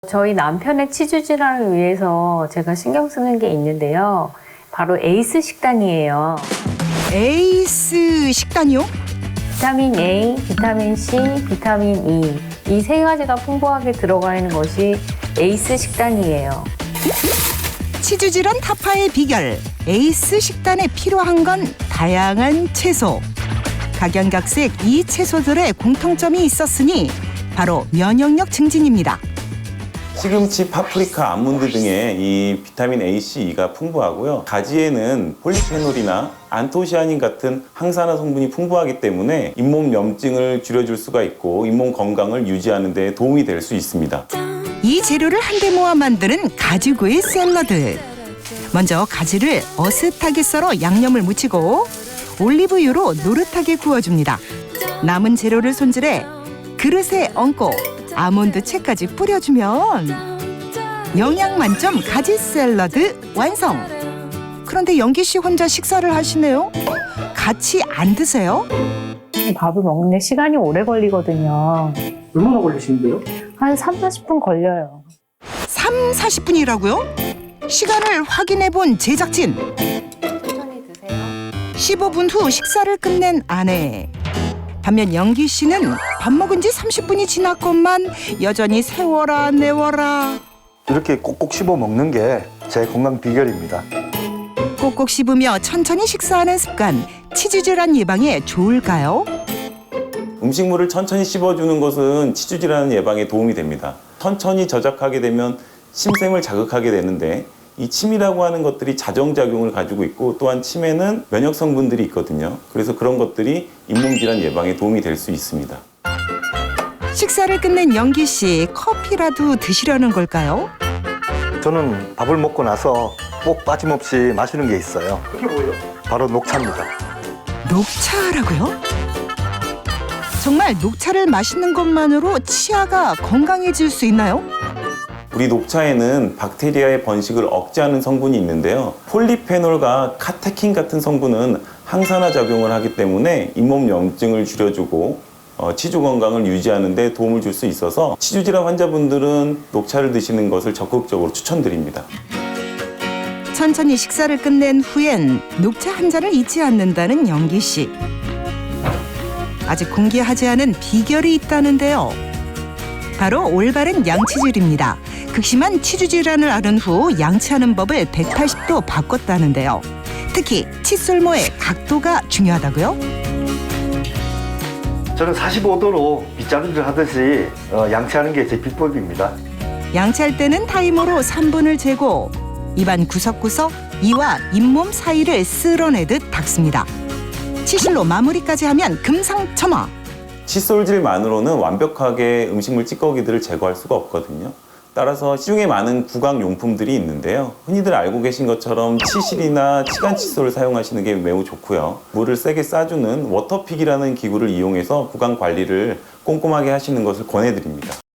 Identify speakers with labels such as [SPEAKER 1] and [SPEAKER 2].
[SPEAKER 1] 저희 남편의 치주 질환을 위해서 제가 신경 쓰는 게 있는데요. 바로 에이스 식단이에요.
[SPEAKER 2] 에이스 식단이요?
[SPEAKER 1] 비타민 A, 비타민 C, 비타민 E. 이 세 가지가 풍부하게 들어가 있는 것이 에이스 식단이에요.
[SPEAKER 2] 치주 질환 타파의 비결 에이스 식단에 필요한 건 다양한 채소. 각양각색 이 채소들의 공통점이 있었으니 바로 면역력 증진입니다.
[SPEAKER 3] 시금치, 파프리카, 아몬드 등의 이 비타민 A, C, E가 풍부하고요. 가지에는 폴리페놀이나 안토시아닌 같은 항산화 성분이 풍부하기 때문에 잇몸 염증을 줄여줄 수가 있고 잇몸 건강을 유지하는 데 도움이 될 수 있습니다.
[SPEAKER 2] 이 재료를 한데 모아 만드는 가지구이 샐러드. 먼저 가지를 어슷하게 썰어 양념을 묻히고 올리브유로 노릇하게 구워줍니다. 남은 재료를 손질해 그릇에 얹고 아몬드 채까지 뿌려주면 영양 만점 가지 샐러드 완성. 그런데 영기 씨 혼자 식사를 하시네요. 같이 안 드세요?
[SPEAKER 1] 밥을 먹는데 시간이 오래 걸리거든요.
[SPEAKER 4] 얼마나 걸리시는데요?
[SPEAKER 1] 한 3, 40분 걸려요.
[SPEAKER 2] 3, 40분이라고요? 시간을 확인해 본 제작진.
[SPEAKER 1] 천천히 드세요.
[SPEAKER 2] 15분 후 식사를 끝낸 아내. 반면 영기 씨는 밥 먹은 지 30분이 지났건만 여전히 세워라 내워라.
[SPEAKER 5] 이렇게 꼭꼭 씹어 먹는 게 제 건강 비결입니다.
[SPEAKER 2] 꼭꼭 씹으며 천천히 식사하는 습관, 치주 질환 예방에 좋을까요?
[SPEAKER 3] 음식물을 천천히 씹어주는 것은 치주 질환 예방에 도움이 됩니다. 천천히 저작하게 되면 침샘을 자극하게 되는데 이 침이라고 하는 것들이 자정작용을 가지고 있고 또한 침에는 면역 성분들이 있거든요. 그래서 그런 것들이 잇몸 질환 예방에 도움이 될 수 있습니다.
[SPEAKER 2] 식사를 끝낸 영기 씨, 커피라도 드시려는 걸까요?
[SPEAKER 5] 저는 밥을 먹고 나서 꼭 빠짐없이 마시는 게 있어요.
[SPEAKER 4] 그게 뭐예요?
[SPEAKER 5] 바로 녹차입니다.
[SPEAKER 2] 녹차라고요? 정말 녹차를 마시는 것만으로 치아가 건강해질 수 있나요?
[SPEAKER 3] 우리 녹차에는 박테리아의 번식을 억제하는 성분이 있는데요. 폴리페놀과 카테킨 같은 성분은 항산화 작용을 하기 때문에 잇몸 염증을 줄여주고 치주 건강을 유지하는 데 도움을 줄 수 있어서 치주 질환 환자분들은 녹차를 드시는 것을 적극적으로 추천드립니다.
[SPEAKER 2] 천천히 식사를 끝낸 후엔 녹차 한 잔을 잊지 않는다는 영기 씨. 아직 공개하지 않은 비결이 있다는데요. 바로 올바른 양치질입니다. 극심한 치주 질환을 앓은 후 양치하는 법을 180도 바꿨다는데요. 특히 칫솔모의 각도가 중요하다고요?
[SPEAKER 5] 저는 45도로 빗자루질 하듯이 양치하는 게 제 비법입니다.
[SPEAKER 2] 양치할 때는 타이머로 3분을 재고 입안 구석구석 이와 잇몸 사이를 쓸어내듯 닦습니다. 치실로 마무리까지 하면 금상첨화.
[SPEAKER 3] 칫솔질만으로는 완벽하게 음식물 찌꺼기들을 제거할 수가 없거든요. 따라서 시중에 많은 구강 용품들이 있는데요. 흔히들 알고 계신 것처럼 치실이나 치간 칫솔을 사용하시는 게 매우 좋고요. 물을 세게 쏴주는 워터픽이라는 기구를 이용해서 구강 관리를 꼼꼼하게 하시는 것을 권해드립니다.